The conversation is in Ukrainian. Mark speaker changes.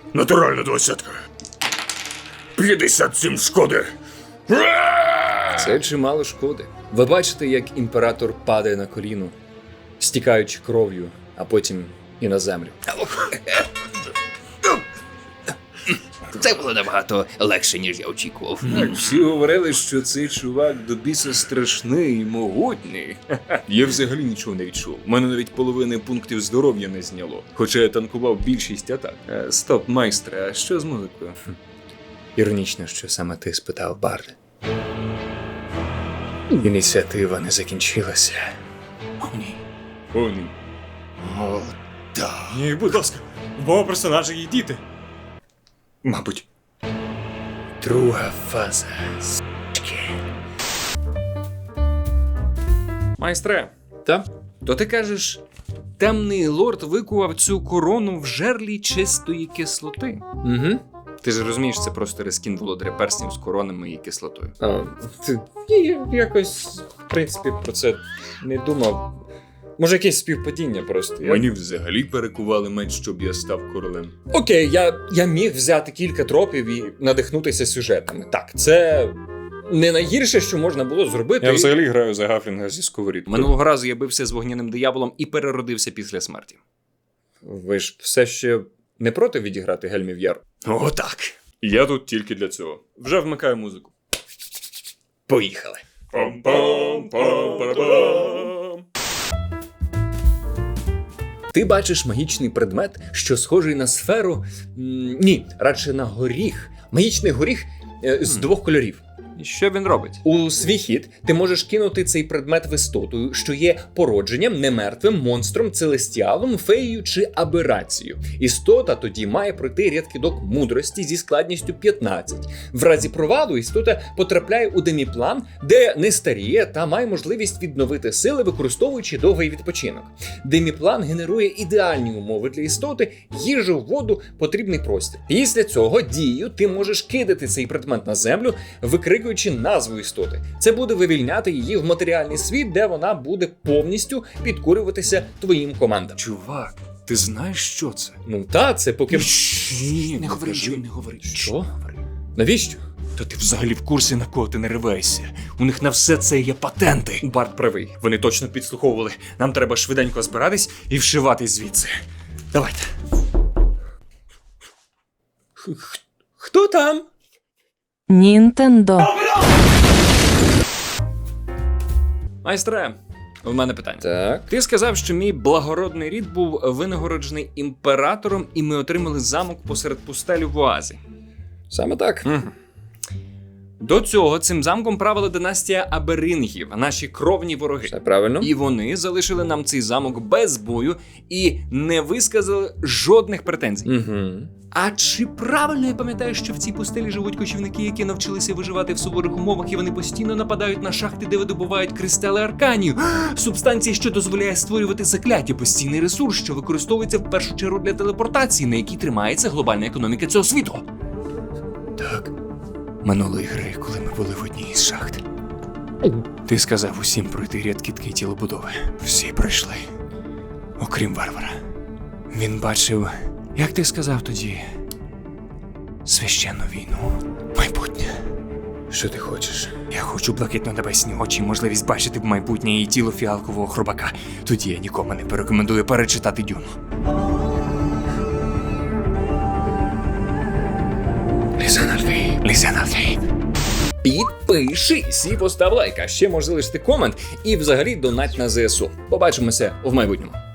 Speaker 1: Натуральна 20. 57 шкоди.
Speaker 2: Це чимало шкоди. Ви бачите, як імператор падає на коліно, стікаючи кров'ю, а потім і на землю.
Speaker 3: Це було набагато легше, ніж я очікував.
Speaker 2: Так, всі говорили, що цей чувак до біса страшний і могутній. Я взагалі нічого не відчув. У мене навіть половини пунктів здоров'я не зняло. Хоча я танкував більшість атак. Стоп, майстре, а що з музикою? Іронічно, що саме ти спитав, Бард. Ініціатива не закінчилася.
Speaker 3: О, ні.
Speaker 2: О, ні.
Speaker 3: О, так.
Speaker 1: Ні, будь ласка, в мого персонажа є діти.
Speaker 2: Мабуть. Друга фаза. Майстре. Та? То ти кажеш, темний лорд викував цю корону в жерлі чистої кислоти. Угу. Ти ж розумієш, це просто рескін володаря перснів з коронами і кислотою. Я якось, в принципі, про це не думав. Може, якесь співпадіння просто.
Speaker 4: Мені взагалі перекували меч, щоб я став королем.
Speaker 2: Окей, я міг взяти кілька тропів і надихнутися сюжетами. Так, це не найгірше, що можна було зробити.
Speaker 4: Я взагалі граю за Гафлінга зі сковорідкою.
Speaker 3: Минулого разу я бився з вогняним дияволом і переродився після смерті.
Speaker 2: Ви ж все ще не проти відіграти Гельмів Яр?
Speaker 4: О, так. Я тут тільки для цього. Вже вмикаю музику.
Speaker 2: Поїхали.
Speaker 4: Пам-пам-пам-пам-пам.
Speaker 2: Ти бачиш магічний предмет, що схожий на сферу. Ні, радше на горіх. Магічний горіх з двох кольорів.
Speaker 3: І що він робить?
Speaker 2: У свій хід ти можеш кинути цей предмет в істоту, що є породженням, немертвим, монстром, целестіалом, феєю чи аберацією. Істота тоді має пройти ряд кидок мудрості зі складністю 15. В разі провалу істота потрапляє у деміплан, де не старіє та має можливість відновити сили, використовуючи довгий відпочинок. Деміплан генерує ідеальні умови для істоти, їжу, воду, потрібний простір. Після цього дією ти можеш кидати цей предмет на землю, викрикуючи назву істоти. Це буде вивільняти її в матеріальний світ, де вона буде повністю підкорюватися твоїм командам.
Speaker 4: Чувак, ти знаєш, що це?
Speaker 2: Ну та, це поки...
Speaker 4: Ні,
Speaker 3: Не говори, не говори.
Speaker 2: Що? Навіщо?
Speaker 4: Та ти взагалі в курсі, на кого ти не ривайся. У них на все це є патенти.
Speaker 2: Барт правий.
Speaker 4: Вони точно підслуховували. Нам треба швиденько збиратись і вшиватись звідси. Давайте.
Speaker 2: Хто там?
Speaker 5: Нінтендо.
Speaker 3: Майстре, у мене питання.
Speaker 2: Так.
Speaker 3: Ти сказав, що мій благородний рід був винагороджений імператором, і ми отримали замок посеред пустелі в Оазі.
Speaker 2: Саме так.
Speaker 3: До цього цим замком правила династія Аберингів, наші кровні вороги.
Speaker 2: Все правильно.
Speaker 3: І вони залишили нам цей замок без бою і не висказали жодних претензій.
Speaker 2: Угу.
Speaker 3: А чи правильно я пам'ятаю, що в цій пустелі живуть кочівники, які навчилися виживати в суворих умовах, і вони постійно нападають на шахти, де видобувають кристали арканію? Субстанції, що дозволяє створювати закляття, постійний ресурс, що використовується в першу чергу для телепортації, на якій тримається глобальна економіка цього світу.
Speaker 4: Так. Минулої гри, коли ми були в одній із шахт. Ти сказав усім пройти ряд кітки тілобудови. Всі пройшли. Окрім варвара. Він бачив, як ти сказав тоді, священну війну. Майбутнє.
Speaker 2: Що ти хочеш?
Speaker 4: Я хочу блакитно-небесні очі, можливість бачити в майбутнє і тіло фіалкового хробака. Тоді я нікому не порекомендую перечитати Дюну. Лізен Альфей.
Speaker 2: Підпишись і постав лайк, а ще можеш залишити комент і взагалі донать на ЗСУ. Побачимося в майбутньому.